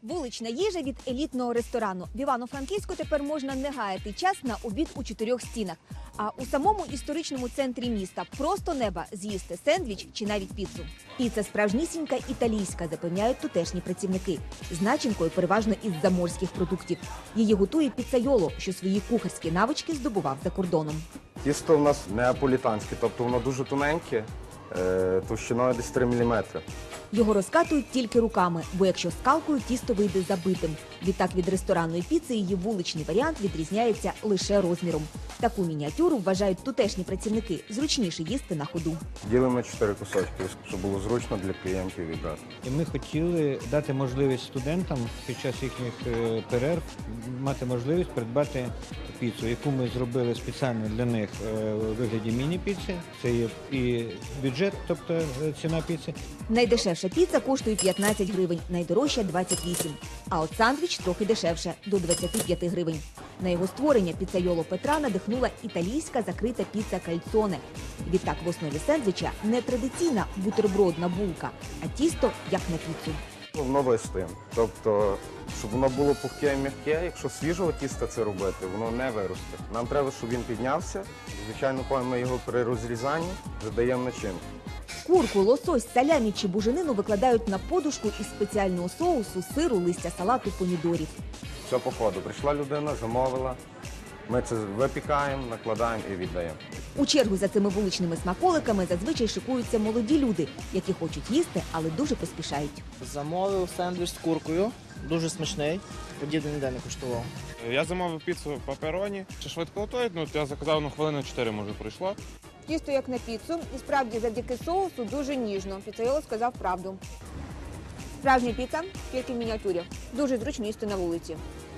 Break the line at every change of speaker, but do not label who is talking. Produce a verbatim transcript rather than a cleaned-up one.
Вулична їжа від елітного ресторану. В Івано-Франківську тепер можна не гаяти час на обід у чотирьох стінах. А у самому історичному центрі міста просто неба з'їсти сендвіч чи навіть піцу. Піца справжнісінька італійська, запевняють тутешні працівники. З начинкою переважно із заморських продуктів. Її готує піцайоло, що свої кухарські навички здобував за кордоном.
Тісто в нас неаполітанське, тобто воно дуже тоненьке, товщиною десь три міліметри.
Його розкатують тільки руками, бо якщо скалкою, тісто вийде забитим. Відтак від ресторанної піци її вуличний варіант відрізняється лише розміром. Таку мініатюру вважають тутешні працівники, зручніше їсти на ходу.
Ділимо на чотири кусочки, щоб було зручно для клієнтів відразу.
І ми хотіли дати можливість студентам під час їхніх перерв мати можливість придбати піцу, яку ми зробили спеціально для них у вигляді міні-піци. Це є і бюджет, тобто ціна піци.
Найдешевша піца коштує п'ятнадцять гривень, найдорожча – двадцять вісім. А от сандвіч трохи дешевше – до двадцяти п'яти гривень. На його створення піцайоло Петра надихнула італійська закрита піца кальцоне. Відтак в основі сендвіча не традиційна бутербродна булка, а тісто як на піцу.
Воно вистоїть. Тобто, щоб воно було пухке і м'яке, якщо свіжого тіста це робити, воно не виросте. Нам треба, щоб він піднявся. Звичайно, коли ми його при розрізанні додаємо начинку.
Курку, лосось, салямі чи буженину викладають на подушку із спеціального соусу, сиру, листя салату, помідорів.
Все по ходу. Прийшла людина, замовила, ми це випікаємо, накладаємо і віддаємо.
У чергу за цими вуличними смаколиками зазвичай шикуються молоді люди, які хочуть їсти, але дуже поспішають.
Замовив сендвіч з куркою, дуже смачний, подібний ніде не коштував.
Я замовив піцу пепероні. Чи швидко готують? Ну, я заказав, ну, хвилини чотири, може, пройшло.
Тісто як на піцу, і справді завдяки соусу дуже ніжно. Піцайоло сказав правду. Справжня піца, тільки в мініатюрі. Дуже зручно їсти на вулиці.